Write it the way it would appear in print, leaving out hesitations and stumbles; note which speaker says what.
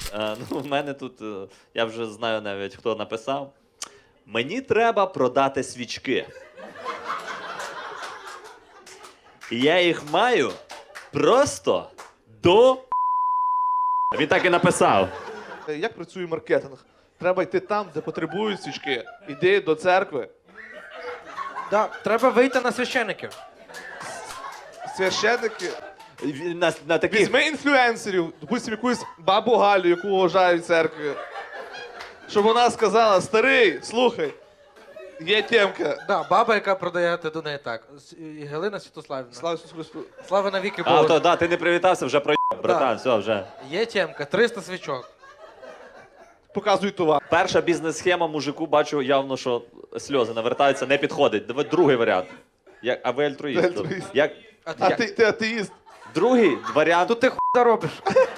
Speaker 1: Ну, в мене тут, я вже знаю навіть, хто написав. Мені треба продати свічки. І я їх маю просто до... Він так і написав.
Speaker 2: Як працює маркетинг? Треба йти там, де потребують свічки. Іди до церкви.
Speaker 3: Да, треба вийти на священиків.
Speaker 2: Священники.
Speaker 1: На таких...
Speaker 2: Візьми інфлюенсерів, допустим, якусь бабу Галю, яку вважають в церкві. Щоб вона сказала: старий, слухай, є темка.
Speaker 3: Да, баба, яка продає, ти до неї так. І Галина Святославівна.
Speaker 2: Слава Ісусу Христу.
Speaker 3: Слава навіки
Speaker 1: А,
Speaker 3: Богу.
Speaker 1: то, да, ти не привітався, вже проїбав, братан, все, вже.
Speaker 3: Є темка, 300 свічок.
Speaker 2: Показуй товар.
Speaker 1: Перша бізнес-схема мужику, бачу явно, що сльози навертаються, не підходить. Давай другий варіант. А ви альтруїст.
Speaker 2: Ти альтруїст.
Speaker 1: Як...
Speaker 2: А ти атеїст.
Speaker 1: Другий варіант.
Speaker 3: Тут ти хуй заробиш.